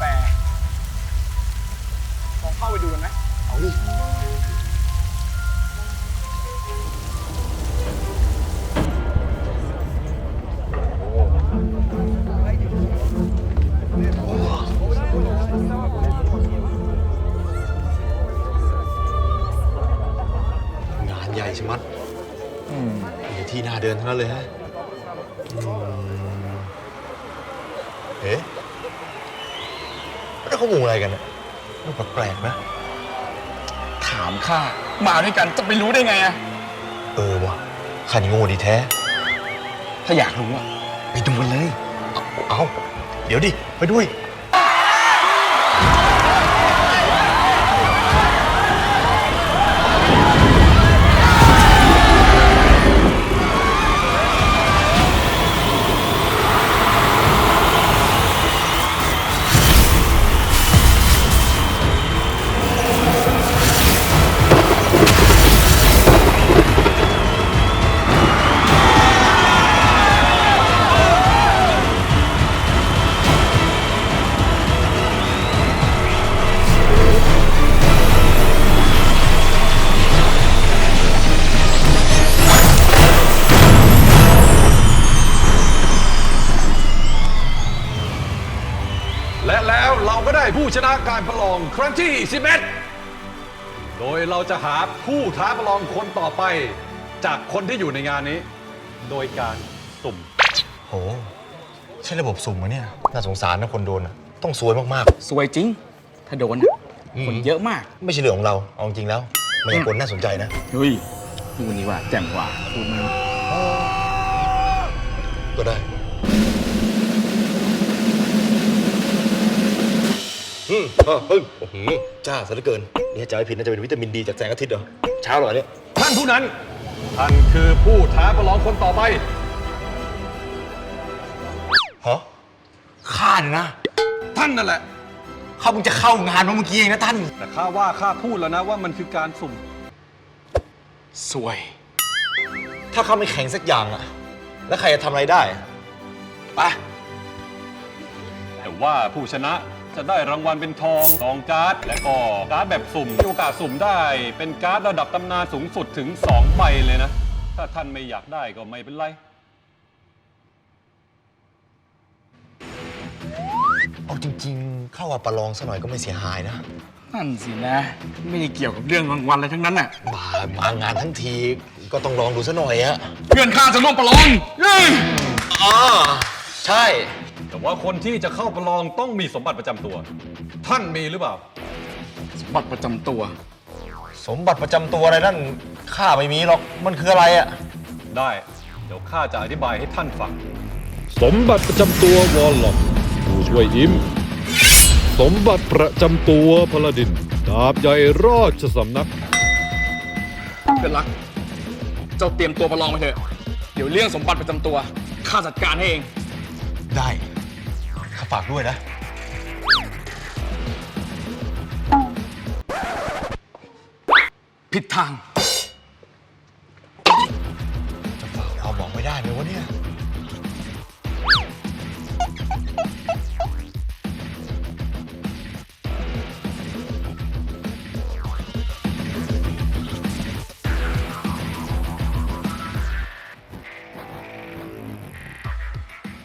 แปลกลองเข้าไปดูกันไหมเอาดิงานใหญ่ใช่ไหมมีที่น่าเดินทั้งนั้นเลยฮะเอ๊ะแล้วเขามุงอะไรกันเนี่ยดูแปลกๆนะถามข้ามาด้วยกันจะไปรู้ได้ไงอะวะข้านี่โง่ดีแท้ถ้าอยากรู้อะไปดูกันเลยเอาเดี๋ยวดิ ไปด้วยและแล้วเราก็ได้ผู้ชนะการประลองครั้งที่11โดยเราจะหาผู้ท้าประลองคนต่อไปจากคนที่อยู่ในงานนี้ โดยการสุ่มโหใช่ระบบสุ่มมะเนี่ยน่าสงสารนะคนโดนต้องซวยมากสวยจริงถ้าโดนคนเยอะมากๆไม่ใช่เรื่องของเราเอาจริงแล้วมายากลน่าสนใจนะเฮ้ยดูนี่ว่าแจ่มกว่าพูดมันก็ได้โอ้โหจ้าซะเหลือเกินนี่จะให้ผิดน่าจะเป็นวิตามินดีจากแสงอาทิตย์เหรอเช้าเหรอเนี่ยท่านผู้นั้นท่านคือผู้ท้าประลองคนต่อไปฮะข้าเนี่ยนะท่านนั่นแหละข้าเพิ่งจะเข้างานมาเมื่อกี้เองนะท่านแต่ข้าว่าข้าพูดแล้วนะว่ามันคือการสุ่มสวยถ้าข้าไม่แข่งสักอย่างอะแล้วใครจะทำอะไรได้ไปแต่ว่าผู้ชนะจะได้รางวัลเป็นทองการ์ดและก็การ์ดแบบสุ่มมีโอกาสสุ่มได้เป็นการ์ดระดับตำนานสูงสุดถึง2 ใบเลยนะถ้าท่านไม่อยากได้ก็ไม่เป็นไรเอาจริงๆเข้าว่าประลองซะหน่อยก็ไม่เสียหายนะนั่นสินะไม่ได้เกี่ยวกับเรื่องรางวัลอะไรทั้งนั้นน่ะมางานทั้งทีก็ต้องลองดูซะหน่อยอะเพื่อนข้าจะร่วมประลองใช่แต่ว่าคนที่จะเข้าประลองต้องมีสมบัติประจำตัวท่านมีหรือเปล่าสมบัติประจำตัวสมบัติประจำตัวอะไรนั่นข้าไม่มีหรอกมันคืออะไรอะได้เดี๋ยวข้าจะอธิบายให้ท่านฟังสมบัติประจำตัววอลล็อกผู้ช่วยยิ้มสมบัติประจำตัวพลดินดาบใหญ่ราชสำนักเพื่อนรักเจ้าเตรียมตัวประลองไปเถอะเดี๋ยวเรื่องสมบัติประจำตัวข้าจัดการให้เองได้ข้าฝากด้วยนะผิดทางจะฝากเราบอกไม่ได้ไหมวะเนี่ย